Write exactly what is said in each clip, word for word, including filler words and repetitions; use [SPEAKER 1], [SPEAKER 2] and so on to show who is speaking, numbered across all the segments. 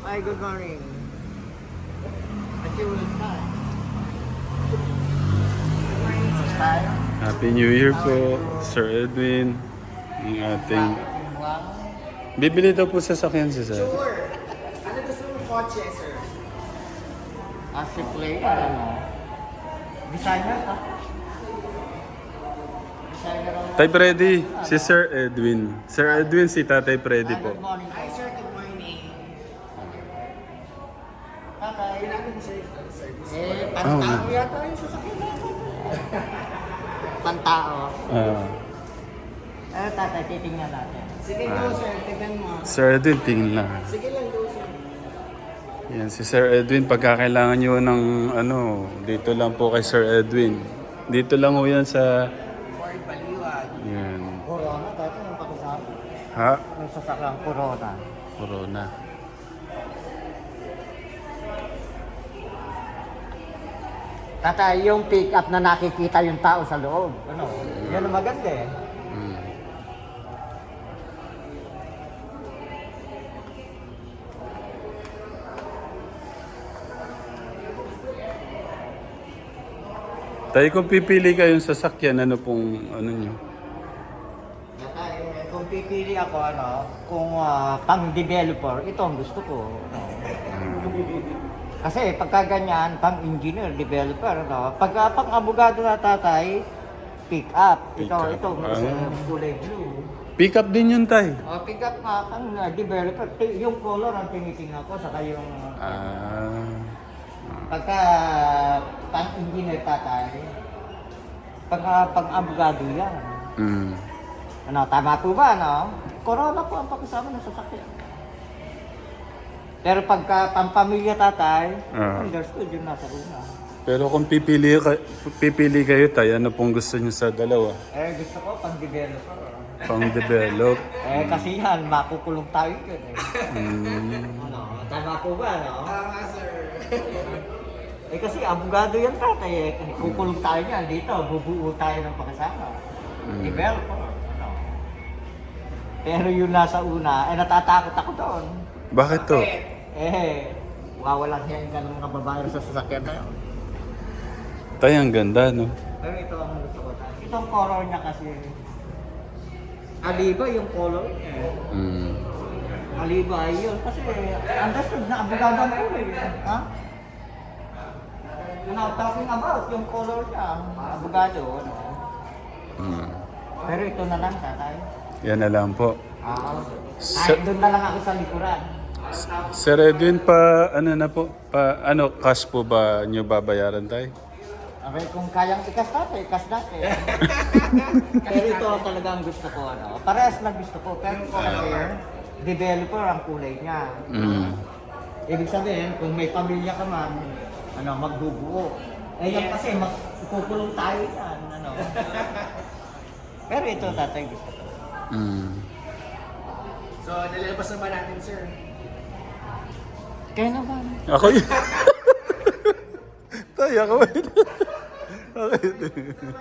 [SPEAKER 1] Hi, good morning. At you will start. Good morning, sir.
[SPEAKER 2] Happy New Year po, Sir Edwin. Ang ating... Bibili daw po sasakyan si Sir.
[SPEAKER 1] Sure. Ano gusto mong kotse, sir? Ah, si Play, ano? Designer ka? Designer ako.
[SPEAKER 2] Tay Freddy, si Sir Edwin. Sir Edwin, si Tatay Freddy
[SPEAKER 1] Ah,
[SPEAKER 2] po.
[SPEAKER 1] good morning. Hi, sir. Good morning. Tatay. Ginamit mo, sir. Eh, pantao yata yung sasakyan natin. Pantao.
[SPEAKER 2] Ah,
[SPEAKER 1] Ano, tatay, titingnan natin. Sige, go, sir. Tignan mo.
[SPEAKER 2] Sir Edwin, tingin lang.
[SPEAKER 1] Sige lang, go, sir.
[SPEAKER 2] Yan, si Sir Edwin, pagkakailangan nyo ng ano, dito lang po kay Sir Edwin. Dito lang ho yan sa...
[SPEAKER 1] Ford Baliwag.
[SPEAKER 2] Yan.
[SPEAKER 1] Corona, tatay, yung pakisama.
[SPEAKER 2] Ha?
[SPEAKER 1] Yung sasakyang Corona.
[SPEAKER 2] Corona.
[SPEAKER 1] Tatay, yung pick-up na nakikita yung tao sa loob. Ano? Yan ang maganda eh.
[SPEAKER 2] Mm. Tayo kung pipili kayong sasakyan, ano pong ano nyo?
[SPEAKER 1] Tatay, eh, kung pipili ako, ano, kung ah, pang-developer, ito ang gusto ko. Ano? Kasi pagka ganyan, pang-engineer, developer, no? Pagka pang-abogado na tatay, pick-up. Ito,
[SPEAKER 2] Pick-up.
[SPEAKER 1] ito, mas
[SPEAKER 2] Ah.
[SPEAKER 1] uh, kulay blue.
[SPEAKER 2] Pick up din yun, Tay.
[SPEAKER 1] O, pick-up nga, ang uh, developer, Ti- yung color ang tinitingnan ko, saka yung...
[SPEAKER 2] Ah.
[SPEAKER 1] Pagka pang-engineer tatay, pagka pang-abogado yan.
[SPEAKER 2] Mm.
[SPEAKER 1] Ano, tama po ba, no? Corona po ang pakisama ng sasakyan. Pero pagka pang-pamilya tatay,
[SPEAKER 2] Ah.
[SPEAKER 1] understood yung nasa una.
[SPEAKER 2] Pero kung pipili, ka- pipili kayo, Tay, ano pong gusto nyo sa dalawa?
[SPEAKER 1] Eh, gusto ko pang-developer.
[SPEAKER 2] Pang-develop.
[SPEAKER 1] Eh, kasi yan, makukulong tayo yun eh.
[SPEAKER 2] Mm.
[SPEAKER 1] Ano, tama po ba, no? Tama, sir. Eh, kasi abogado yan tatay eh. Kukulong tayo yan dito, bubuo tayo ng pakasama.
[SPEAKER 2] Mm.
[SPEAKER 1] Developer. Ano? Pero yung nasa una, eh, natatakot ako doon.
[SPEAKER 2] Bakit to?
[SPEAKER 1] Eh, wawalan yan ka ng mga babae sa sasakyan na yun.
[SPEAKER 2] Tay, ang ganda, no?
[SPEAKER 1] Pero ito ang gusto ko tayo. Itong color niya kasi, aliba yung color niya. eh.
[SPEAKER 2] Mm.
[SPEAKER 1] Aliba yun. Kasi, understood na abogado na yun eh. Ha? You're not talking about yung color niya. Abogado, ano?
[SPEAKER 2] Mm.
[SPEAKER 1] Pero ito na lang, tatay.
[SPEAKER 2] Yan na lang po.
[SPEAKER 1] Ah,
[SPEAKER 2] Sir-
[SPEAKER 1] kahit doon na lang ako sa likuran.
[SPEAKER 2] Sir Edwin, pa ano na po? Pa, ano, cash po ba nyo babayaran, Tay?
[SPEAKER 1] Okay, kung kayang ikas natin, ikas natin. Pero ito talaga ang gusto ko, ano. Parehas na gusto ko. Pero kasi, developer ang kulay niya.
[SPEAKER 2] Mm.
[SPEAKER 1] Ibig sabihin, kung may pamilya ka man, ano, magbubuo. Eh, yan kasi, magkukulong tayo yan, ano. Pero ito, tatay, gusto ko.
[SPEAKER 2] Mm.
[SPEAKER 3] So, nalilabas na ba natin, sir?
[SPEAKER 1] Kaya naman.
[SPEAKER 2] Ako yun. Tay, ako yun. Ako yun.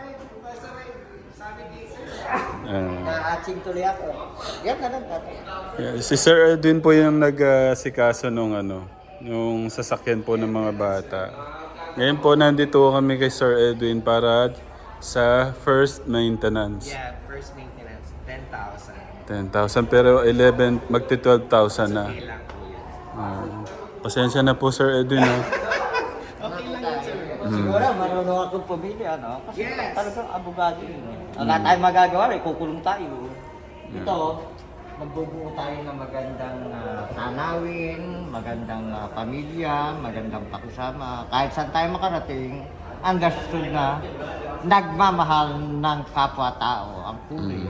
[SPEAKER 2] Ah.
[SPEAKER 1] Na-aching tuloy ako. Yan na lang, tatay.
[SPEAKER 2] Yeah, si Sir Edwin po yung nag-sikaso nung ano, yung sasakyan po ng mga bata. Ngayon po nandito kami kay Sir Edwin para sa first maintenance.
[SPEAKER 3] Yeah, first maintenance, ten thousand.
[SPEAKER 2] ten thousand pero eleven, magti twelve thousand na.
[SPEAKER 3] Okay lang po yun.
[SPEAKER 2] Ah, pasensya na po Sir Edwin. Ha?
[SPEAKER 3] Okay lang yun, sir.
[SPEAKER 1] Siguro, marunong akong pumili, ano? Kasi
[SPEAKER 3] Yes.
[SPEAKER 1] talagang abogado yun. eh. Wala tayong magagawa, eh, kukulong tayo. Ito, magbubuo tayo ng magandang ah, tanawin, magandang ah, pamilya, magandang pakisama. Kahit saan tayo makarating, understood na nagmamahal ng kapwa-tao ang kulay.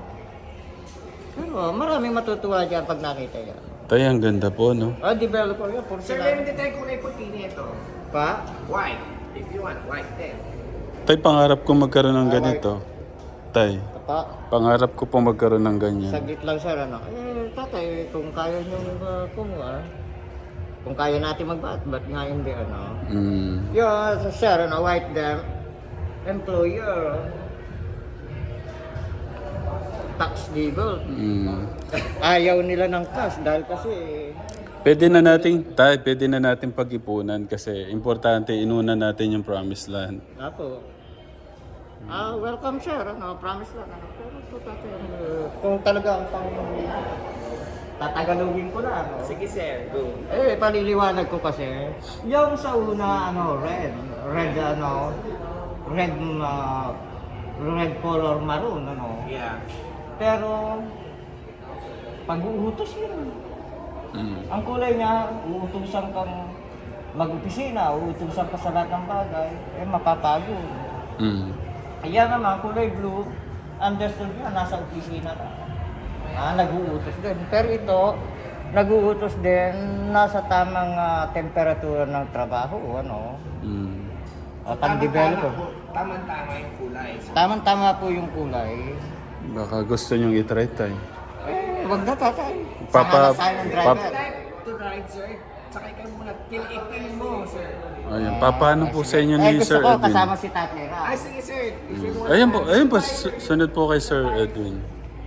[SPEAKER 1] Pero maraming matutuwa dyan pag nakita yan.
[SPEAKER 2] Tay, ang ganda po, no?
[SPEAKER 1] Ah, developer yan, puro
[SPEAKER 3] Sir,
[SPEAKER 1] sila.
[SPEAKER 3] meron din tayo kulay puti nito.
[SPEAKER 1] Pa?
[SPEAKER 3] White. If you want, white then.
[SPEAKER 2] Tay, pangarap ko magkaroon ng ganito. Tay,
[SPEAKER 1] Pa?
[SPEAKER 2] pangarap ko po magkaroon ng ganyan.
[SPEAKER 1] Saglit lang sir, ano? Eh, tatay, kung kaya nyo uh, kumuha, kung kaya natin magbat, ba't nga hindi, ano?
[SPEAKER 2] Mm.
[SPEAKER 1] Yeah, so, sir, ano, white them, employer. tax legal.
[SPEAKER 2] Mm.
[SPEAKER 1] Ayaw nila ng cash dahil kasi
[SPEAKER 2] Pwede na natin, tay, pwede na natin pag-ipunan kasi importante inuna natin yung promised land.
[SPEAKER 1] ako. Ah, welcome sir, ano, promise lang. Ano, pero ito tatay, ano, kung talaga ang pang tatagalogin ko na, ano.
[SPEAKER 3] Sige sir, go.
[SPEAKER 1] Eh, paliliwanag ko kasi, yung sa una, ano, red, red, ano, red, uh, red color maroon, ano.
[SPEAKER 3] Yeah.
[SPEAKER 1] Pero, pag-uutos yun.
[SPEAKER 2] Mm.
[SPEAKER 1] Ang kulay niya, uutusan kang mag-opisina, uutusan ka sa lahat ng bagay, eh, mapapagod.
[SPEAKER 2] Mm.
[SPEAKER 1] Kaya naman, kulay blue, understood niya, nasa opisina na. Ah, nag-uutos din. Pero ito, nag-uutos din, nasa tamang ah, temperatura ng trabaho, ano.
[SPEAKER 2] Mm.
[SPEAKER 1] O, pang-develop.
[SPEAKER 3] po. Tama-tama yung kulay. So,
[SPEAKER 1] Tamang-tama po yung kulay.
[SPEAKER 2] Baka gusto nyong itry, tay.
[SPEAKER 1] Eh, wag na tatay.
[SPEAKER 2] Papa-
[SPEAKER 1] Saka na tayo ng
[SPEAKER 2] pap-
[SPEAKER 1] driver.
[SPEAKER 3] type to ride sir. Sakay ka muna. Pil-ipil mo sir.
[SPEAKER 2] Ayan, papaano po sa inyo
[SPEAKER 1] Eh,
[SPEAKER 2] ni
[SPEAKER 1] gusto
[SPEAKER 2] Sir
[SPEAKER 1] ko
[SPEAKER 2] Edwin?
[SPEAKER 1] kasama si Tatay Ra.
[SPEAKER 3] Ah, sige sir. If you want
[SPEAKER 2] Ayan po, ayan po, su- sunod po kay Sir Edwin.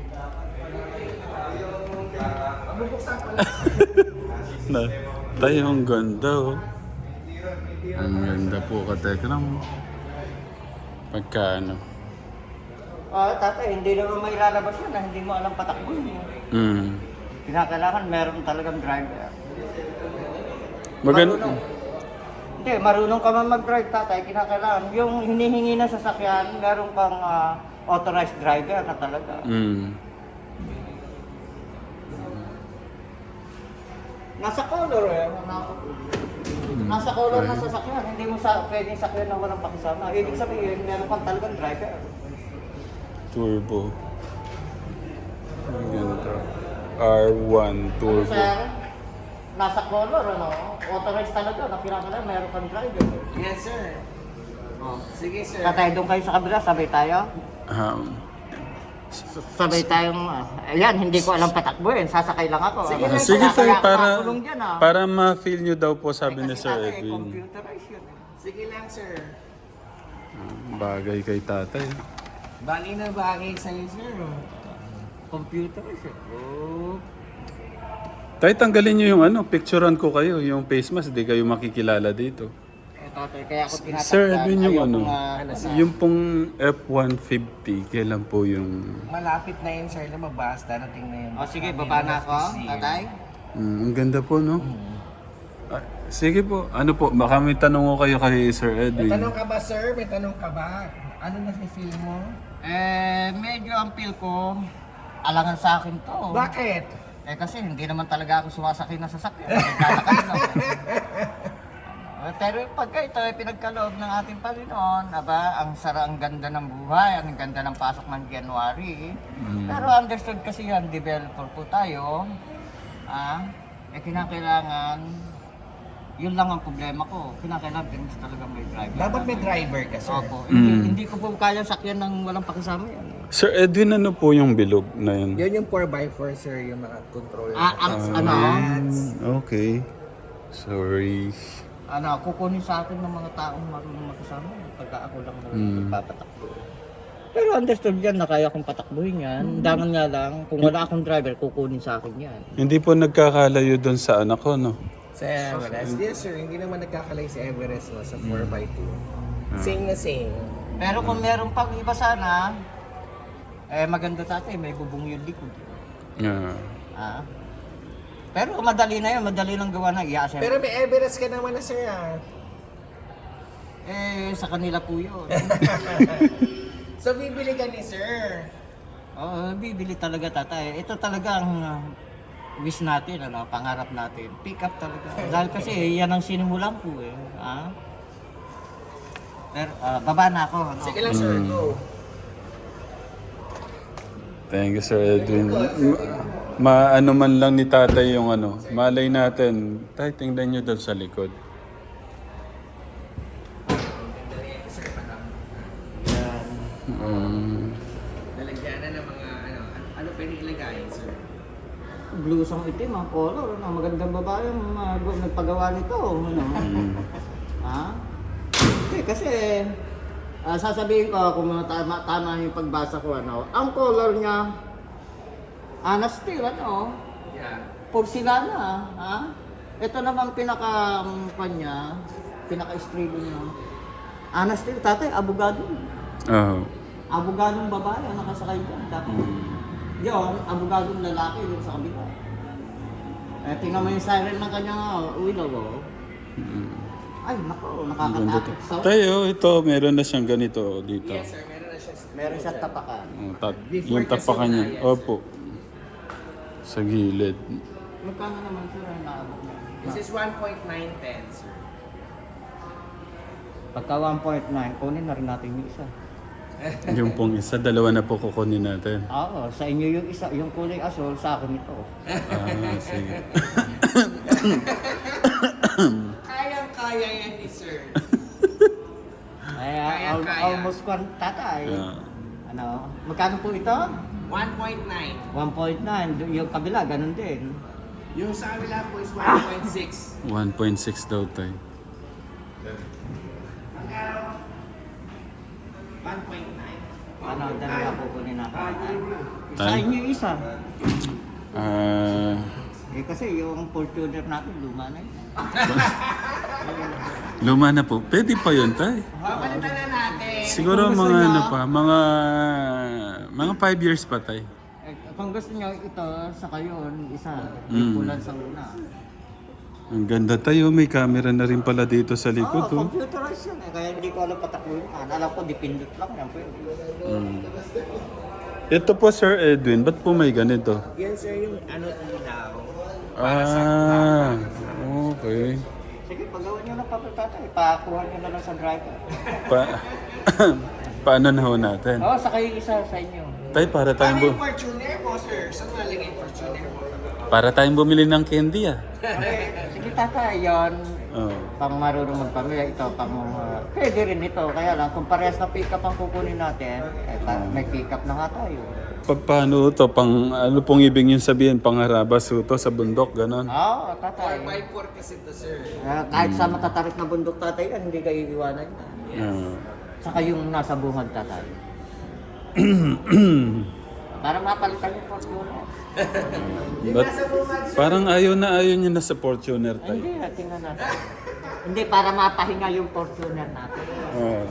[SPEAKER 3] Bubuksan ko lang.
[SPEAKER 2] Na, tayo ang ganda oh. Ang ganda po ka, Tekram. Pagka ano.
[SPEAKER 1] Ah, tatay, hindi naman may lalabas yun na hindi mo alam patakbo yun.
[SPEAKER 2] Mm.
[SPEAKER 1] Kinakailangan meron talagang driver.
[SPEAKER 2] Magan
[SPEAKER 1] Marunong. Hindi, marunong ka man mag-drive, tatay. Kinakailangan. Yung hinihingi na sasakyan, meron kang ah, authorized driver na talaga.
[SPEAKER 2] Mm.
[SPEAKER 1] Nasa color eh. Nasa color na sasakyan. Hindi mo sa, pwedeng sakyan na walang pakisama. Ibig sabihin, meron kang talagang driver.
[SPEAKER 2] Turbo. Ang ganda. R one Turbo.
[SPEAKER 1] Sir, nasa color, ano? Authorized talaga. Na kinakailangan, meron kang driver.
[SPEAKER 3] Yes sir.
[SPEAKER 1] Oh.
[SPEAKER 3] Sige sir.
[SPEAKER 1] Tatay, doon kayo sa kabila, sabay tayo.
[SPEAKER 2] Um,
[SPEAKER 1] Sabay tayong, ah, ayan, hindi ko alam patakbuhin, sasakay lang ako.
[SPEAKER 3] Sige
[SPEAKER 1] Ah,
[SPEAKER 3] lang,
[SPEAKER 2] sige
[SPEAKER 1] kaya
[SPEAKER 2] tayo
[SPEAKER 1] ako
[SPEAKER 2] para
[SPEAKER 1] nakulong dyan, ah.
[SPEAKER 2] para ma-feel nyo daw po sabi
[SPEAKER 1] Eh,
[SPEAKER 2] ni
[SPEAKER 1] kasi
[SPEAKER 2] Sir
[SPEAKER 1] tatay,
[SPEAKER 2] Edwin.
[SPEAKER 1] computerized yun, eh.
[SPEAKER 3] Sige lang sir.
[SPEAKER 2] Bagay kay tatay.
[SPEAKER 3] Bagay na bagay sa'yo sir.
[SPEAKER 1] Computerized yun. Oh.
[SPEAKER 2] Tay, tanggalin nyo yung ano, picturean ko kayo, yung face mask, di kayo makikilala dito.
[SPEAKER 1] Eh, tatay, kaya ako tinatakpan.
[SPEAKER 2] Sir Edwin, yung
[SPEAKER 1] Ayaw
[SPEAKER 2] ano,
[SPEAKER 1] ko nga, ano, sa-
[SPEAKER 2] yung pong F one fifty, kailan po yung...
[SPEAKER 3] Malapit na yun sir lumabas. Darating na yun.
[SPEAKER 1] O sige, baba na ako, tatay.
[SPEAKER 2] Mm, ang ganda po, no? Ah, sige po, ano po, baka may tanong ko kayo kay Sir
[SPEAKER 3] May
[SPEAKER 2] Edwin.
[SPEAKER 3] tanong ka ba sir? May tanong ka ba? Ano na feel mo?
[SPEAKER 1] Eh, medyo ang feel ko, alangan sa akin to.
[SPEAKER 3] Bakit?
[SPEAKER 1] Eh kasi hindi naman talaga ako sumasakay na sasakyan. Nagkasakay lang. Eh, pero pagka ito ay pinagkaloob ng ating Panginoon, aba, ang sara, ang ganda ng buhay, ang ganda ng pasok ng January.
[SPEAKER 2] Mm.
[SPEAKER 1] Pero understood kasi yan, developer po tayo. Ah, eh kinakailangan, yun lang ang problema ko. Kinakailangan din talaga may driver.
[SPEAKER 3] Dapat may driver ka sir.
[SPEAKER 1] Opo. Hindi,
[SPEAKER 2] Mm.
[SPEAKER 1] hindi ko po kaya sakyan ng walang pakisama yan.
[SPEAKER 2] Sir Edwin, ano po yung bilog na yun?
[SPEAKER 3] Yun yung four by four sir, yung mga control.
[SPEAKER 1] Ah, ang, ano,
[SPEAKER 2] Mm, okay. Sorry.
[SPEAKER 1] ano, kukunin sa akin ng mga taong marunong makisama pagka ako lang naman
[SPEAKER 2] Mm.
[SPEAKER 1] nagpapatakbo. Pero understood yan na kaya kong patakbuhin yan. Dangan nga lang, kung wala akong driver, kukunin sa akin yan.
[SPEAKER 2] Hindi po nagkakalayo doon sa anak ko, no?
[SPEAKER 3] Sa Everest. Yes sir, hindi naman nagkakalay si Everest no, sa four by two. Same na same.
[SPEAKER 1] Pero kung meron pang iba sana, eh maganda tatay, may bubong yung likod.
[SPEAKER 2] Yeah.
[SPEAKER 1] Ah. Pero madali na yun, madali lang gawa na i-assembly.
[SPEAKER 3] Pero may Everest ka naman na sir ah.
[SPEAKER 1] Eh, sa kanila po yun.
[SPEAKER 3] So bibili ka ni sir.
[SPEAKER 1] Oo, bibili talaga tatay. Ito talaga ang uh, wish natin, ano, pangarap natin. Pick up talaga. Dahil kasi yan ang sinimulan ko eh. Ah? Pero, ah, baba na ako. Ano?
[SPEAKER 3] Sige lang sir,
[SPEAKER 2] Mm.
[SPEAKER 3] go.
[SPEAKER 2] Thank you, Sir Edwin. Ma- maano man lang ni tatay yung ano, malay natin. Tay, tingnan nyo daw sa likod. Um,
[SPEAKER 3] Lalagyan na ng mga ano, ano, ano pwede ilagay sir?
[SPEAKER 1] Blusang itim, ang color. Ano, magandang babae ang uh, nagpagawa nito. Ano?
[SPEAKER 2] mm,
[SPEAKER 1] Ha? Eh, kasi, ah, sasabihin ko kung mga tama, tama yung pagbasa ko, ano, ang color niya, Anas Steel, ano?
[SPEAKER 3] Yeah.
[SPEAKER 1] Porcelana, ha? Ito namang pinaka, um, kanya, pinaka-estrilo niya. Anas Steel, tatay, abogado.
[SPEAKER 2] Oo.
[SPEAKER 1] Abogadong babae ang nakasakay dyan. Dapat. Yun, abogadong lalaki yung sa kabila. Eh, tingnan mo yung siren ng kanyang uh, willow. Oh. Ay, nako,
[SPEAKER 2] Ang ganda to.
[SPEAKER 1] nakakatakot. So,
[SPEAKER 2] Tayo, ito, meron na siyang ganito dito.
[SPEAKER 3] Yes, sir. Meron na siya.
[SPEAKER 1] meron siyang tapakan.
[SPEAKER 2] Oh, tap-
[SPEAKER 3] Before
[SPEAKER 2] yung tapakan
[SPEAKER 3] kasi
[SPEAKER 2] niya.
[SPEAKER 3] wala yan,
[SPEAKER 2] Opo. Sa gilid.
[SPEAKER 1] Magkano naman sir ang naabot niya?
[SPEAKER 3] This is one point nine ten, sir.
[SPEAKER 1] Pagka one point nine, kunin na rin natin yung isa.
[SPEAKER 2] Yung pong isa, dalawa na po kukunin natin.
[SPEAKER 1] Oo, sa inyo yung isa, yung kulay asol, sa akin ito.
[SPEAKER 2] Ah, sige.
[SPEAKER 3] Kayang-kaya yan ni sir.
[SPEAKER 1] Kaya,
[SPEAKER 3] Kaya,
[SPEAKER 1] al-
[SPEAKER 3] kaya.
[SPEAKER 1] almost kwan tatay.
[SPEAKER 2] Ah.
[SPEAKER 1] Ano, magkano po ito?
[SPEAKER 3] one point nine.
[SPEAKER 1] one point nine, yung kabila, ganun din.
[SPEAKER 3] Yung sa kabila po is one point six.
[SPEAKER 2] one point six daw tayo.
[SPEAKER 3] one point nine.
[SPEAKER 1] Ano, dalawa po kunin natin. Sa
[SPEAKER 2] Tay?
[SPEAKER 1] inyo yung isa.
[SPEAKER 2] Ah,
[SPEAKER 1] Eh kasi yung Fortuner natin, luma na yun.
[SPEAKER 2] luma na po. Pwede pa yun tayo.
[SPEAKER 3] Papalitan na natin.
[SPEAKER 2] Siguro
[SPEAKER 1] Kung gusto
[SPEAKER 2] mga
[SPEAKER 1] niya-
[SPEAKER 2] ano pa, mga mga five years pa tayo.
[SPEAKER 1] Eh, kung gusto nyo ito, sa kayon, isa,
[SPEAKER 2] Mm.
[SPEAKER 1] yung pulan sa una.
[SPEAKER 2] Ang ganda tayo, may camera na rin pala dito sa likod.
[SPEAKER 1] Oo,
[SPEAKER 2] Oh,
[SPEAKER 1] computerized yan eh. Kaya hindi ko alam patakuin. Alam ko, dipindot lang yan. Pwede.
[SPEAKER 2] Mm. Ito po Sir Edwin, ba't po may ganito?
[SPEAKER 3] Yan sir yung ano ilaw.
[SPEAKER 2] Ah, okay.
[SPEAKER 1] Sige, paggawa nyo ng papel tatay, pakuha nyo na lang sa driver.
[SPEAKER 2] Pa Paano na ho natin?
[SPEAKER 1] Oo, sa kayo isa sa inyo.
[SPEAKER 2] Tay, para
[SPEAKER 3] Paano
[SPEAKER 2] tayong,
[SPEAKER 3] yung
[SPEAKER 2] bu-
[SPEAKER 3] Fortuner mo sir? Saan nalagay yung Fortuner mo?
[SPEAKER 2] para tayong bumili ng candy ah.
[SPEAKER 1] Okay, sige tatay, yon
[SPEAKER 2] Oh.
[SPEAKER 1] pang marunong magpamilya, ito pang uh, pwede rin ito. Kaya lang, kung parehas na pick up ang kukunin natin, eh, ta- may pick up na nga tayo.
[SPEAKER 2] Pa- Paano to? Pang, ano pong ibig yung sabihin? Pangharabas ho to sa bundok, ganon?
[SPEAKER 1] Oo,
[SPEAKER 3] four
[SPEAKER 1] tatay.
[SPEAKER 3] by four kasi to sir.
[SPEAKER 1] Uh, kahit sa matatarik na bundok tatay, yan, hindi kayo iiwanan yan.
[SPEAKER 2] Ah.
[SPEAKER 1] Saka yung nasa bungad tatay. Para mapalitan yung Fortuner.
[SPEAKER 2] But, parang ayaw na ayaw niya na sa Fortuner tayo.
[SPEAKER 1] Hindi, tingnan natin. Hindi, para mapahinga yung Fortuner natin.
[SPEAKER 2] Oh.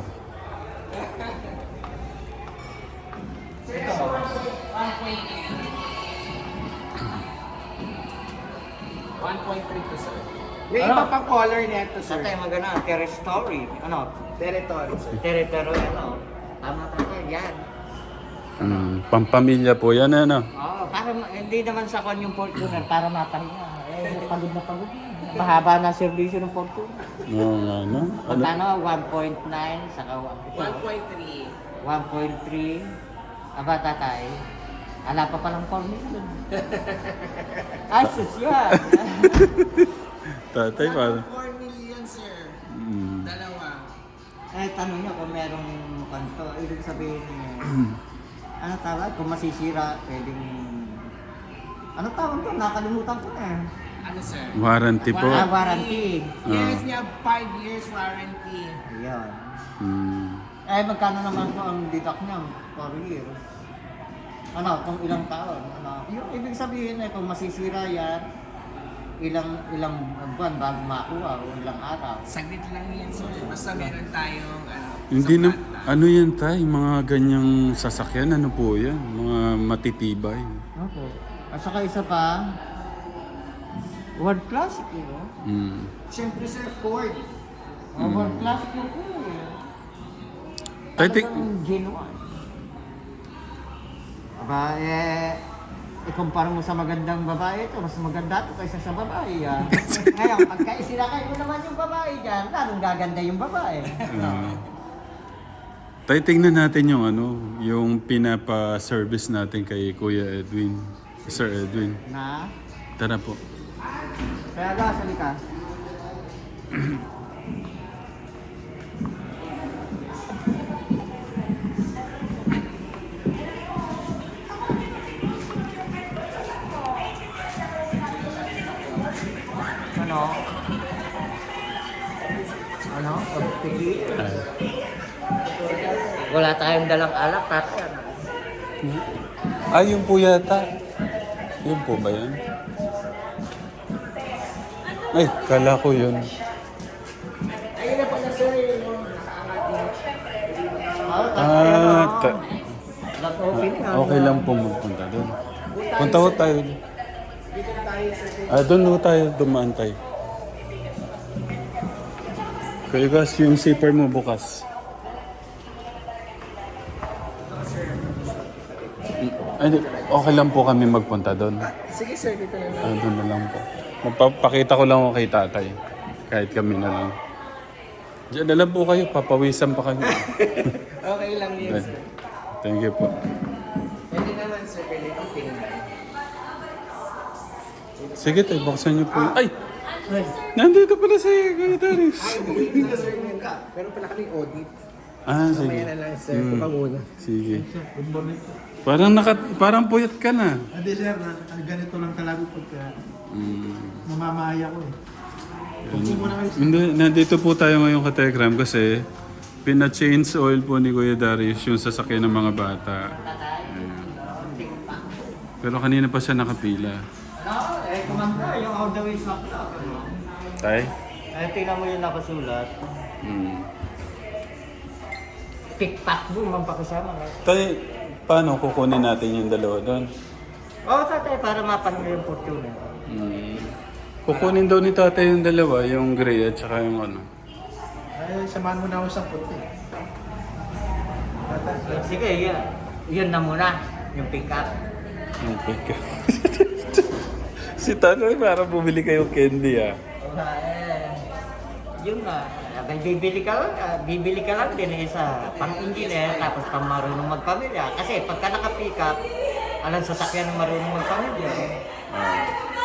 [SPEAKER 3] one point three to sir. May
[SPEAKER 1] Ano?
[SPEAKER 3] iba pang color nito sir.
[SPEAKER 1] Tatay, magana, terrace story. Ano?
[SPEAKER 3] Territory sir.
[SPEAKER 1] Territory, ano? Tama tatay, yan.
[SPEAKER 2] Mm, pampamilya po yan, ano?
[SPEAKER 1] Oo, para ma- hindi naman sa kon yung Fortuner, para mapahinga. Eh, pagod na pagod. na. Mahaba na servisyo ng Fortuner.
[SPEAKER 2] Oo nga, no? Ano?
[SPEAKER 1] Magkano? one point nine, saka wa- ito,
[SPEAKER 3] one point three.
[SPEAKER 1] one point three. Aba, tatay. Ala pa palang four million. Ay, sus yan.
[SPEAKER 2] Tatay, parang...
[SPEAKER 3] four million sir.
[SPEAKER 2] Mm.
[SPEAKER 3] Dalawa.
[SPEAKER 1] Eh, tanong niya kung merong kanto. Ibig sabihin niya, ano tawag? Kung masisira, pwedeng... Ano tawag to? Nakalimutan ko na eh.
[SPEAKER 3] Ano sir?
[SPEAKER 2] Warranty po.
[SPEAKER 1] Ah, warranty.
[SPEAKER 3] Yes niya, five years warranty.
[SPEAKER 1] Ayan.
[SPEAKER 2] Mm.
[SPEAKER 1] Eh, magkano naman po ang deduct niya? four years. Ano, kung ilang taon? Ano, yung ibig sabihin eh, kung masisira yan, ilang ilang buwan bago makuha o ilang araw.
[SPEAKER 3] Saglit lang yan sir. Basta meron tayong ano.
[SPEAKER 2] Hindi na...
[SPEAKER 3] sapat
[SPEAKER 2] Ano yan tayo? Mga ganyang sasakyan, ano po yan? Mga matitibay.
[SPEAKER 1] Opo. At saka isa pa, World Classic yun. Oh.
[SPEAKER 2] Mm.
[SPEAKER 3] Siyempre sir, Ford.
[SPEAKER 1] Oh, World Classic yun po eh.
[SPEAKER 2] Tay, tik-
[SPEAKER 1] Talagang genuine. Aba, eh, ikumpara mo sa magandang babae ito, mas maganda ito kaysa sa babae yan. Ngayon, pagka isinakay mo naman yung babae dyan, lalong gaganda yung babae.
[SPEAKER 2] Ah. Tay, tingnan natin yung ano, yung pinapa-service natin kay Kuya Edwin. Sir Edwin.
[SPEAKER 1] Na,
[SPEAKER 2] Tara po.
[SPEAKER 1] kaya ga, sali ka. Ano? Ano? Pagpili.
[SPEAKER 2] Ah.
[SPEAKER 1] Wala tayong dalang alak, tatay. Ano?
[SPEAKER 2] Ah, yung po yata. Yun po ba yan? Ay, kala ko yun.
[SPEAKER 3] Ayun na pala sir, yung nakaangat
[SPEAKER 2] Ah, ta-
[SPEAKER 1] Not opening. ah.
[SPEAKER 2] okay lang po magpunta doon. Punta ko tayo.
[SPEAKER 3] Dito tayo sir.
[SPEAKER 2] Ah, doon ho tayo, dumaan tayo. Kaya guys, yung zipper mo bukas. Ay, di- okay lang po kami magpunta doon.
[SPEAKER 3] Sige sir, dito na lang.
[SPEAKER 2] Ah, doon na lang po. Magpapakita ko lang ako kay tatay. Kahit kami na lang. Diyan na lang po kayo, papawisan pa kayo.
[SPEAKER 3] Okay lang yun sir.
[SPEAKER 2] Thank you po.
[SPEAKER 3] Pwede naman sir, pwede kong tingnan.
[SPEAKER 2] Sige tayo, buksan niyo po. yun. Ay! Nandito pala si Kuya Darius.
[SPEAKER 3] Ay, wait lang sir, nagka. Pero pala kami audit.
[SPEAKER 2] Ah, sige.
[SPEAKER 3] Mamaya na lang sir, mm. muna.
[SPEAKER 2] Sige. Parang naka, parang puyat ka na.
[SPEAKER 4] Hindi sir, na, ah, ganito lang talaga pagka
[SPEAKER 2] Mm.
[SPEAKER 4] mamamaya ko eh. Huwag po muna kayo.
[SPEAKER 2] Hindi, nandito po tayo ngayon ka Telegram kasi pina-change oil po ni Kuya Darius yung sasakyan ng mga bata. Ayan. Pero kanina pa siya nakapila.
[SPEAKER 1] Ano? Eh, kumanda yung all the way sa club. ano?
[SPEAKER 2] Tay?
[SPEAKER 1] Eh, tingnan mo yung nakasulat.
[SPEAKER 2] Mm.
[SPEAKER 1] Tiktak mo, mampakasama. eh.
[SPEAKER 2] Tay, paano kukunin natin yung dalawa doon?
[SPEAKER 1] Oo, tatay, para mapahinga yung fortune.
[SPEAKER 2] Mm. Kukunin daw ni tatay yung dalawa, yung gray at saka yung ano.
[SPEAKER 4] Ay, samahan mo na ako sa puti.
[SPEAKER 1] Sige, yun. Yun na muna, yung pick up.
[SPEAKER 2] Yung pick up. Si tatay parang bumili kayong candy ah.
[SPEAKER 1] Eh, yun na. Abay, bibili ka lang, ah, bibili ka lang din eh, sa pang-engineer tapos pang marunong magpamilya. Kasi pagka naka-pick up, alam sasakyan ng marunong magpamilya.
[SPEAKER 2] Ah.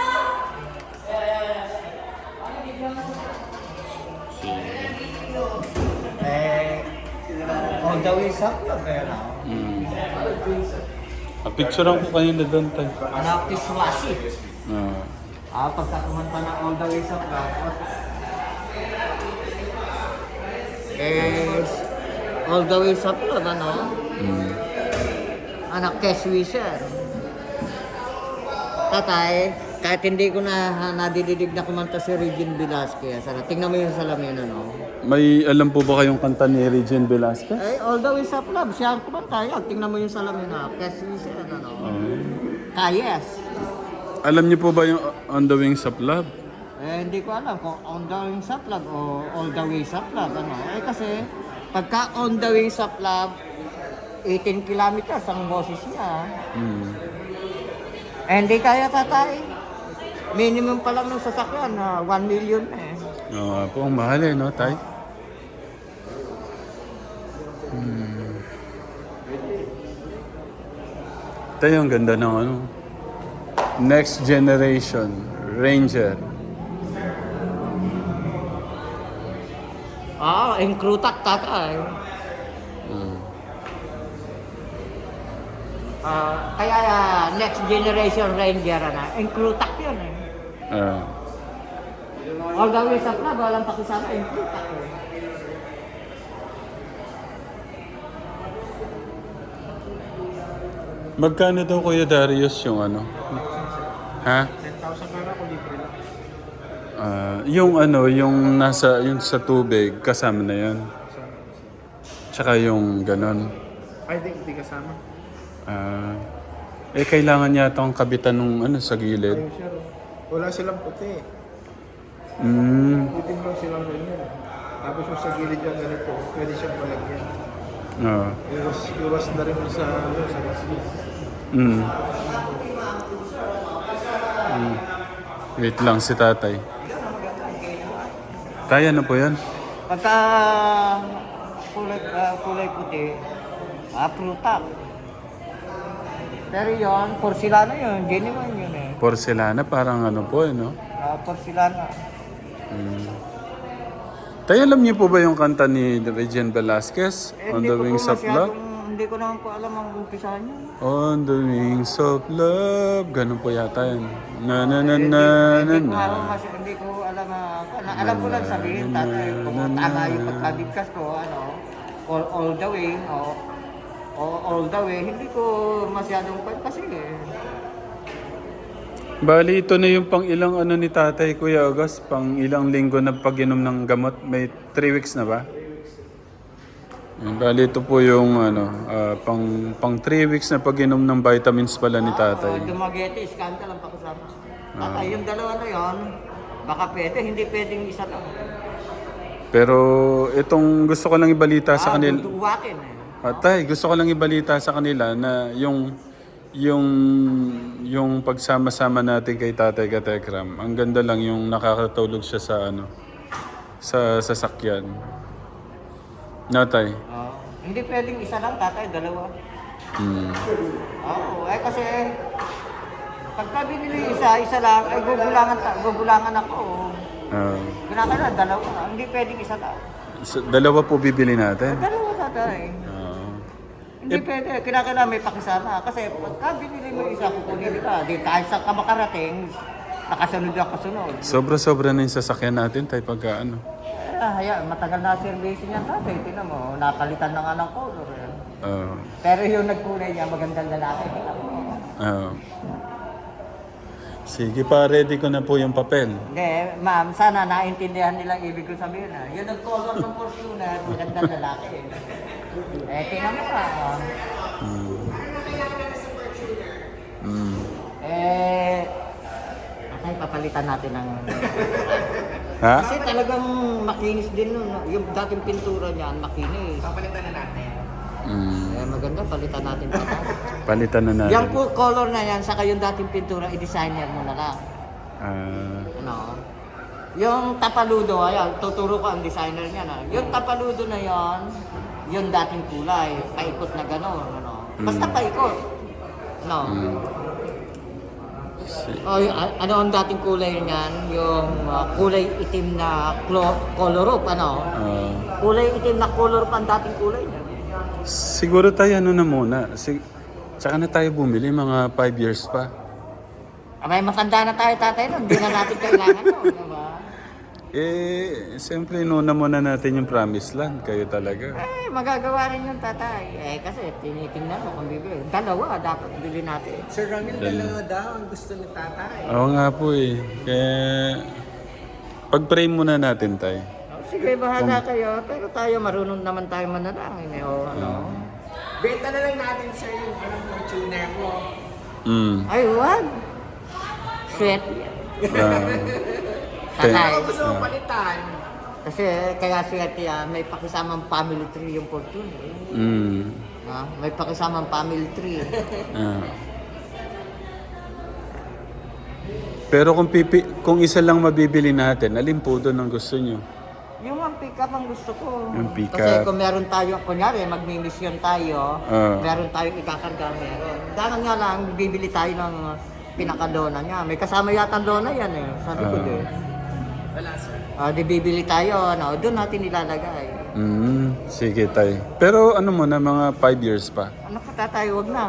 [SPEAKER 1] Eh, all the way sa club, eh, ano?
[SPEAKER 2] Mm. Ah, picturean ko kanina doon tayo.
[SPEAKER 1] Anak ni Swasi.
[SPEAKER 2] Ah.
[SPEAKER 1] Ah, pagka kumanta na all the way sa club. Eh, all the way sa club, ano?
[SPEAKER 2] Mm.
[SPEAKER 1] Anak kay Swisher. Tatay, kahit hindi ko na nadididig na kumanta si Regine Velasquez, ano, tingnan mo yung salamin, ano?
[SPEAKER 2] May alam po ba kayong kanta ni Regine Velasquez?
[SPEAKER 1] Eh, all the way sa club, siya ang kumanta, yan. Tingnan mo yung salamin, na kay Swisher, ano?
[SPEAKER 2] Ah.
[SPEAKER 1] Kayes.
[SPEAKER 2] Alam niyo po ba yung On the Wings of Love?
[SPEAKER 1] Eh, hindi ko alam kung on the way sa club o all the way sa club, ano? Eh, kasi, pagka on the way sa club, eighteen kilometers ang boses niya.
[SPEAKER 2] Mm.
[SPEAKER 1] Eh, hindi kaya tatay. Minimum pa lang ng sasakyan, na one million na eh.
[SPEAKER 2] Oo nga po, ang mahal eh, no, tay? Hmm. Tayo, ang ganda ng ano. Next Generation, Ranger.
[SPEAKER 1] Ah, inkrutak tatay.
[SPEAKER 2] Mm.
[SPEAKER 1] Ah, kaya ah, next generation ranger na, inkrutak yun eh.
[SPEAKER 2] Ah.
[SPEAKER 1] All the way sa club, walang pakisama, inkrutak eh.
[SPEAKER 2] Magkano daw Kuya Darius yung ano? Ha?
[SPEAKER 4] ten thousand para ko libre lang.
[SPEAKER 2] Ah, yung ano, yung nasa yung sa tubig kasama na 'yan. Tsaka yung ganon.
[SPEAKER 4] Ay, di, di kasama.
[SPEAKER 2] Ah, eh kailangan yata ang kabitan ng ano sa gilid.
[SPEAKER 4] Ayun sir. Wala silang puti.
[SPEAKER 2] Mm.
[SPEAKER 4] Putin lang silang ganyan. Tapos yung sa gilid yung ganito, pwede siyang palagyan.
[SPEAKER 2] Ah.
[SPEAKER 4] Iwas, iwas na rin sa, ano, sa gasli.
[SPEAKER 2] Mm. Mm. Wait lang si tatay. Kaya na po yan?
[SPEAKER 1] Pagka kulay, ah, kulay puti, ah, prutak. Pero yun, porcelana yun, genuine yun eh.
[SPEAKER 2] Porcelana, parang ano po eh, no?
[SPEAKER 1] Ah, porcelana.
[SPEAKER 2] Mm. Tayo, alam niyo po ba yung kanta ni Regine Velasquez?
[SPEAKER 1] Eh,
[SPEAKER 2] On
[SPEAKER 1] hindi
[SPEAKER 2] the
[SPEAKER 1] ko po
[SPEAKER 2] Wings of
[SPEAKER 1] masyadong-
[SPEAKER 2] Love?
[SPEAKER 1] Hindi ko naman po alam ang umpisahan niya.
[SPEAKER 2] On the Wings of Love. Ganun po yata yun. Na na na
[SPEAKER 1] Hindi,
[SPEAKER 2] na na
[SPEAKER 1] hindi, ko
[SPEAKER 2] na.
[SPEAKER 1] ako mas, hindi ko alam ah, na, alam ko lang sabihin tatay kung tama yung pagkabigkas ko ano all, all the way o o all the way hindi ko masyadong pan kasi eh.
[SPEAKER 2] Bali, ito na yung pang ilang ano ni tatay, Kuya August, pang ilang linggo na pag-inom ng gamot. May three weeks na ba? Yan, bali, ito po yung ano, ah, pang, pang three weeks na pag-inom ng vitamins pala ni tatay.
[SPEAKER 1] Oh, dumagete, skandal ang pakusama. Tatay, yung dalawa na yon, baka pwede, hindi pwedeng isa lang.
[SPEAKER 2] Pero itong gusto ko lang ibalita sa
[SPEAKER 1] Ah,
[SPEAKER 2] kanila.
[SPEAKER 1] duduwakin eh.
[SPEAKER 2] Patay, gusto ko lang ibalita sa kanila na yung yung yung pagsama-sama natin kay Tatay Katekram. Ang ganda lang yung nakakatulog siya sa ano sa sasakyan. Natay.
[SPEAKER 1] Oh, hindi pwedeng isa lang, tatay, dalawa.
[SPEAKER 2] Hmm.
[SPEAKER 1] Oo, eh kasi pagka binili isa, isa lang, ay gugulangan, ta- gugulangan ako.
[SPEAKER 2] Ah,
[SPEAKER 1] Kinakailan, dalawa. Hindi pwedeng isa lang.
[SPEAKER 2] so, dalawa po bibili natin.
[SPEAKER 1] Dalawa, tatay.
[SPEAKER 2] Ah.
[SPEAKER 1] Hindi pwede, kinakailangan may pakisama. Kasi pagka binili mo isa, kukunin ka. Di kahit saan ka makarating, nakasunod ang kasunod.
[SPEAKER 2] Sobra-sobra na yung sasakyan natin tayo pagka ano.
[SPEAKER 1] Eh, haya, matagal na service niya tatay. Tingnan mo, napalitan na nga ng color. Eh.
[SPEAKER 2] Ah.
[SPEAKER 1] Pero yung nagkulay niya, magandang lalaki. Tingnan mo.
[SPEAKER 2] Ah. Sige pa, ready ko na po yung papel.
[SPEAKER 1] Hindi, ma'am, sana naintindihan nila ang ibig ko sabihin. Ha? Yung nag-color ng Fortuner, magandang lalaki. Eh, tingnan mo ka. ah.
[SPEAKER 2] Hmm. Hmm.
[SPEAKER 1] Eh, okay, papalitan natin ng...
[SPEAKER 2] Ha?
[SPEAKER 1] Kasi talagang makinis din nun. no? Yung dating pintura niyan, makinis.
[SPEAKER 3] Papalitan na natin.
[SPEAKER 2] Hmm.
[SPEAKER 1] Eh, maganda, palitan natin pa.
[SPEAKER 2] Palitan na natin.
[SPEAKER 1] Yung po color na yan, saka yung dating pintura, i-designer mo na lang.
[SPEAKER 2] Ah.
[SPEAKER 1] Ano? Yung tapaludo, ayan, tuturo ko ang designer niya na. Yung tapaludo na yan, yung dating kulay, paikot na gano'n, ano. Basta
[SPEAKER 2] Mm.
[SPEAKER 1] paikot. Ano?
[SPEAKER 2] Hmm.
[SPEAKER 1] O, y- a- ano ang dating kulay niyan? Yung uh, kulay itim na clo- color up, ano?
[SPEAKER 2] Ah.
[SPEAKER 1] Kulay itim na color up ang dating kulay niya.
[SPEAKER 2] Siguro tayo ano na muna. Sig Tsaka na tayo bumili, mga five years pa.
[SPEAKER 1] Abay, matanda na tayo, tatay, nun. Hindi na natin kailangan nun, diba?
[SPEAKER 2] Eh, siyempre inuna muna natin yung promised land. Kayo talaga.
[SPEAKER 1] Eh, magagawa rin yung tatay. Eh, kasi tinitingnan mo kung bibili. Dalawa, dapat bili natin.
[SPEAKER 3] Sir Ramil,
[SPEAKER 2] Dal-
[SPEAKER 3] dalawa daw ang gusto ni tatay.
[SPEAKER 2] Oo nga po eh. Kaya, pag-pray muna natin tayo.
[SPEAKER 1] Oh, sige, bahala kayo. Pero tayo, marunong naman tayo manalangin. Eh, o, ano?
[SPEAKER 3] Benta na lang natin, sir, yung anong Fortuner mo.
[SPEAKER 2] Mm.
[SPEAKER 1] Ay, wag. Sweat.
[SPEAKER 2] Ah.
[SPEAKER 1] Tatay.
[SPEAKER 3] Ano gusto mo palitan?
[SPEAKER 1] Kasi kaya swerte yan, may pakisamang family tree yung fortune. Eh.
[SPEAKER 2] Mm.
[SPEAKER 1] Ah, may pakisamang family tree.
[SPEAKER 2] Ah. Pero kung pipi kung isa lang mabibili natin, alin po doon ang gusto nyo?
[SPEAKER 1] Yung ang pick-up ang gusto ko.
[SPEAKER 2] Yung pick-up.
[SPEAKER 1] Kasi kung meron tayo, kunyari, magmi-mission tayo,
[SPEAKER 2] Ah.
[SPEAKER 1] meron tayong ikakarga, meron. Dahan nga lang, bibili tayo ng pinakadona niya. May kasama yata ang dona yan eh, sa likod
[SPEAKER 2] Ah.
[SPEAKER 1] eh.
[SPEAKER 3] Wala, sir.
[SPEAKER 1] Ah, di bibili tayo, ano, doon natin nilalagay.
[SPEAKER 2] Mm. Sige tay. Pero ano mo na, mga five years pa.
[SPEAKER 1] Ano ka tatay, wag na.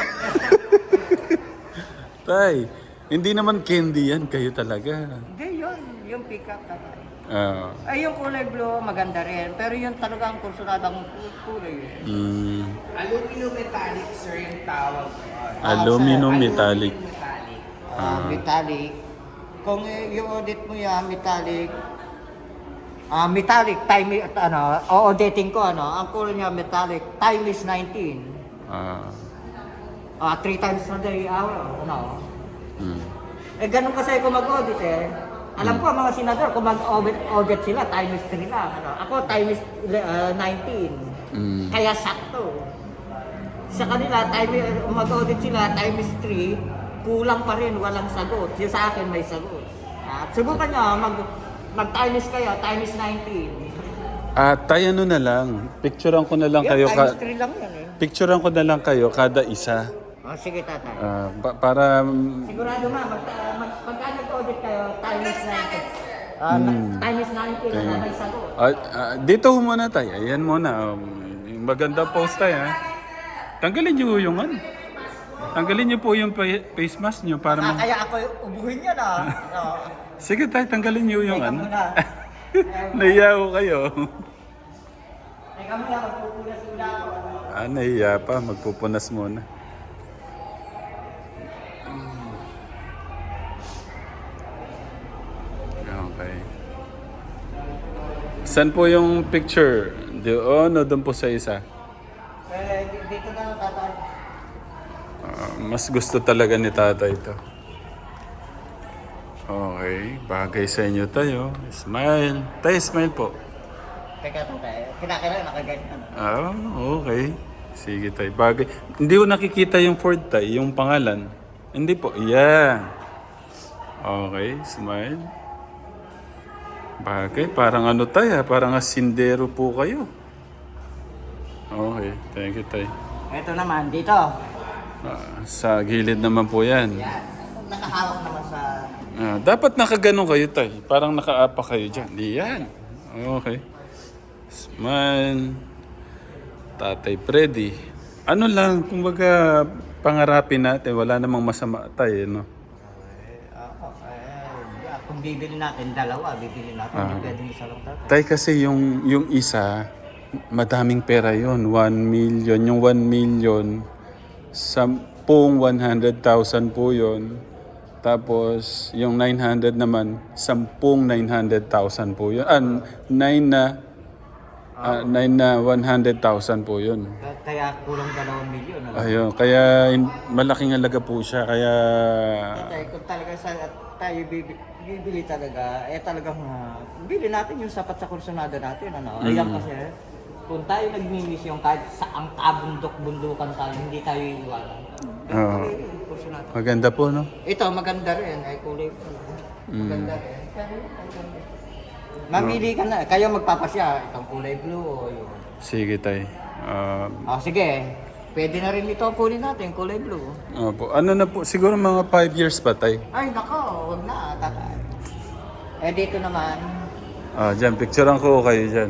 [SPEAKER 2] Tay, hindi naman candy yan. Kayo talaga.
[SPEAKER 1] Hindi, yun, yung pick-up tatay.
[SPEAKER 2] Ah.
[SPEAKER 1] Ay, yung kulay blue, maganda rin. Pero yung talagang kursunadang kulay. eh.
[SPEAKER 2] Mm.
[SPEAKER 3] Aluminum metallic, sir, yung tawag.
[SPEAKER 2] Aluminum
[SPEAKER 3] Aluminum
[SPEAKER 2] metallic.
[SPEAKER 3] metallic.
[SPEAKER 1] Ah, metallic. Kung eh, yung audit mo yan, metallic, ah metallic, time, ano, o-auditing ko, ano, ang kulay niya metallic, time is nineteen.
[SPEAKER 2] Ah.
[SPEAKER 1] Ah, three times a day, hour, ano.
[SPEAKER 2] Mm.
[SPEAKER 1] Eh, ganun kasi ako mag-audit eh. Alam ko, ang mga senador, kung mag-audit audit sila, time is three lang. Ano. Ako, time is uh, nineteen.
[SPEAKER 2] Mm.
[SPEAKER 1] Kaya sakto. Sa kanila, time, mag-audit sila, time is three, kulang pa rin, walang sagot. Yung sa akin may sagot. At subukan nyo, mag, mag-time is kayo, time is nineteen.
[SPEAKER 2] Ah, tayo ano na lang. Picturean ko na lang kayo
[SPEAKER 1] Yan, time is
[SPEAKER 2] ka
[SPEAKER 1] three lang yan eh.
[SPEAKER 2] Picturean ko na lang kayo kada isa.
[SPEAKER 1] Oh, sige tatay.
[SPEAKER 2] Ah, pa- para mm,
[SPEAKER 1] Sigurado ma, mag, uh, mag, pagka nag-audit kayo, time is nineteen. Ah, na-
[SPEAKER 2] Hmm.
[SPEAKER 1] time is nineteen,
[SPEAKER 2] Time.
[SPEAKER 1] na may sagot.
[SPEAKER 2] ah, ah, dito ho muna tayo. Ayan muna. Um, maganda post tayo ha. Tanggalin niyo yung ano. Tanggalin niyo po yung pa- face mask niyo para
[SPEAKER 1] Ah,
[SPEAKER 2] mag...
[SPEAKER 1] kaya ako ubuhin yan ah. No.
[SPEAKER 2] Sige tayo, tanggalin niyo yung
[SPEAKER 1] Teka
[SPEAKER 2] ano.
[SPEAKER 1] muna.
[SPEAKER 2] Nahiya ho kayo.
[SPEAKER 1] Teka muna, magpupulas muna ako.
[SPEAKER 2] Ah, nahiya pa. Magpupunas muna. Saan po yung picture? Doon o doon po sa isa?
[SPEAKER 1] Eh, dito na tatay.
[SPEAKER 2] Ah, mas gusto talaga ni tatay ito. Okay, bagay sa inyo tayo. Smile. Tay, smile po.
[SPEAKER 1] Teka tatay, kinakailangan nakaganyan.
[SPEAKER 2] Ah, okay. Sige tay, bagay. Hindi ko nakikita yung Ford tay, yung pangalan. Hindi po, yeah. Okay, smile. Bagay, parang ano tay ha, parang asindero po kayo. Okay, thank you tay.
[SPEAKER 1] Ito naman, dito.
[SPEAKER 2] Ah, sa gilid naman po yan.
[SPEAKER 1] Yan. Nakahawak naman sa...
[SPEAKER 2] Ah, dapat nakaganon kayo tay, parang nakaapa kayo dyan. Yan. Okay. Smile. Tatay Freddy. Ano lang, kumbaga pangarapin natin, wala namang masama tayo, no?
[SPEAKER 1] Eh, ako, eh, kung bibili natin, dalawa, bibili natin.
[SPEAKER 2] Ah.
[SPEAKER 1] Hindi pwedeng isa lang tatay.
[SPEAKER 2] Tay kasi yung, yung isa, madaming pera yon one million. Yung one million, sampung one hundred thousand po yon. Tapos, yung nine hundred naman, sampung nine hundred thousand po yun. Ah, nine na, ah, nine na one hundred thousand po yun.
[SPEAKER 1] Kaya- Kaya kulang dalawang milyon. Ano?
[SPEAKER 2] Ayun, kaya in- malaking halaga po siya. Kaya,
[SPEAKER 1] Tatay, kung talaga sa, tayo bibili, bibili talaga, eh talagang uh, bili natin yung sapat sa kursunada natin. Ano? Ayan kasi, kung tayo nagmi-mission kahit sa ang kabundok-bundukan tayo, hindi tayo iiwanan.
[SPEAKER 2] Oo.
[SPEAKER 1] Yung kursunada.
[SPEAKER 2] maganda po, no?
[SPEAKER 1] Ito, maganda rin. Ay, kulay ko. Maganda rin. Pero, maganda. Mamili ka na. Kayo magpapasya. Itong kulay blue o yun.
[SPEAKER 2] Sige, tay. Ah,
[SPEAKER 1] Oh, sige. Pwede na rin ito kunin natin, kulay blue.
[SPEAKER 2] opo. Ano na po, siguro mga five years pa, tay.
[SPEAKER 1] Ay, nako. Huwag na, tatay. Eh, dito naman.
[SPEAKER 2] Ah, dyan, picturean ko kayo dyan.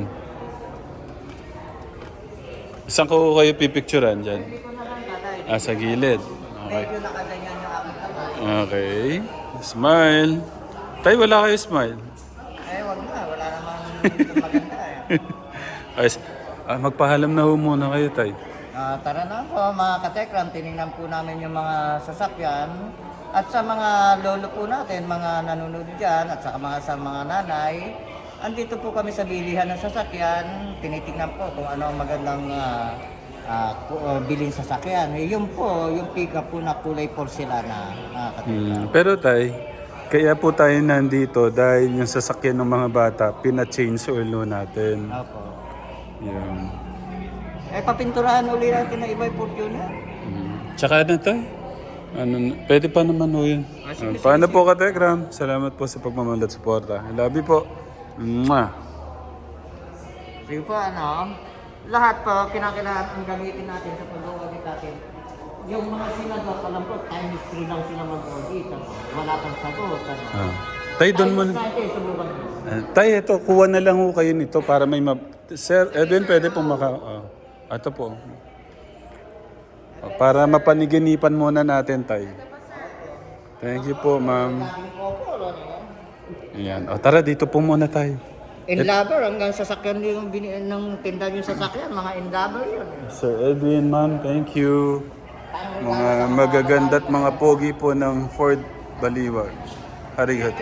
[SPEAKER 2] Saan ko kayo pipicturean dyan?
[SPEAKER 1] Dito na lang, tatay.
[SPEAKER 2] Ah, sa gilid. Okay.
[SPEAKER 1] Medyo nakaganyan yung aking kamay.
[SPEAKER 2] Okay. Smile. Tay, wala kayo smile.
[SPEAKER 1] Eh, wag na. Wala namang maganda eh.
[SPEAKER 2] Ay, ah, magpahalam na ho muna kayo, tay.
[SPEAKER 1] Ah, tara na po mga katekram, tinignan po namin yung mga sasakyan at sa mga lolo po natin, mga nanonood dyan at sa mga sa mga nanay, andito po kami sa bilihan ng sasakyan, tinitingnan po kung ano ang magandang ah, ah, ku- ah, bilhin sasakyan. Eh, yun po, yung pick-up po na kulay porcelana, mga katekram.
[SPEAKER 2] Hmm, pero tay, kaya po tayo nandito dahil yung sasakyan ng mga bata, pina-change oil natin.
[SPEAKER 1] Opo.
[SPEAKER 2] Yan.
[SPEAKER 1] Eh, papinturahan uli natin na iba yung Fortuner.
[SPEAKER 2] Hmm. Tsaka na tay. Ano, na- pwede pa naman ho yun. Ah, paano po ka, Tekram? Salamat po sa pagmamahal at suporta. Love you po. Mwah.
[SPEAKER 1] Sige po, ano, lahat po, kinakailangan ang gamitin natin sa pag-audit natin. Yung mga sinagot, alam ko, times three lang sila mag-audit. Ano? Wala pang sagot. Ano?
[SPEAKER 2] Ah. Tay, doon mo.
[SPEAKER 1] Times natin, subukan mo.
[SPEAKER 2] Uh, tay, ito, kuha na lang ho kayo nito para may ma... Sir, Edwin, pwede pong maka... Uh, ito po. Uh, para mapaniginipan muna natin, tay. Thank you po, ma'am.
[SPEAKER 1] Laging opo, ano?
[SPEAKER 2] Ayan. O, tara, dito po muna tayo.
[SPEAKER 1] Inlaber, hanggang sasakyan yung bini- ng tinda yung sasakyan, mga inlaber yun.
[SPEAKER 2] Sir Edwin, ma'am, thank you. Mga magaganda at mga pogi po ng Ford Baliwag. Arigato.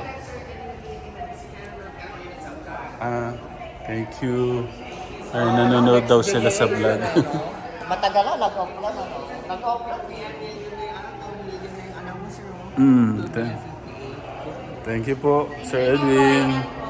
[SPEAKER 2] Ah, thank you. Ay, nanonood daw sila sa vlog.
[SPEAKER 1] Matagal na, nag-off lang. Ano? Nag-off lang.
[SPEAKER 2] mm, th- thank you po, Sir Edwin.